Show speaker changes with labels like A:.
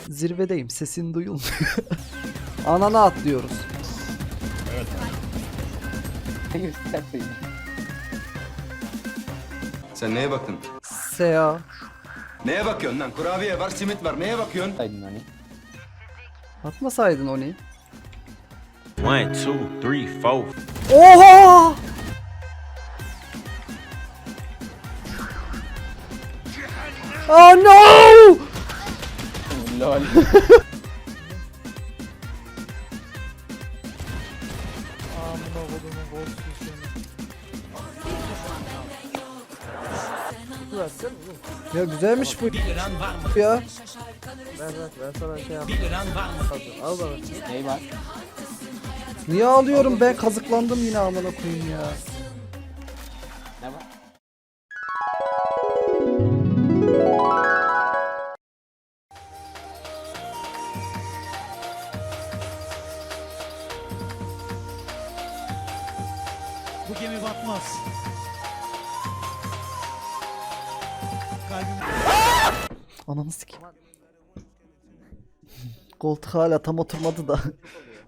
A: Zirvedeyim, sesin duyulmuyor. Anana atlıyoruz.
B: Sen neye baktın?
A: Sea.
B: Neye bakıyorsun lan? Kurabiye var, simit var. Neye bakıyorsun?
A: Atmasaydın onu.
C: 1, 2, 3, 4.
A: Oha! Oh no!
D: Lol.
A: Ya güzelmiş bu ya.
D: Ney var?
A: Niye alıyorum ben, kazıklandım yine amına koyayım ya.
D: Ne var?
E: Bu gemi batmaz. Kalbim
A: Ananı sikeyim. Koltuk hala tam oturmadı da.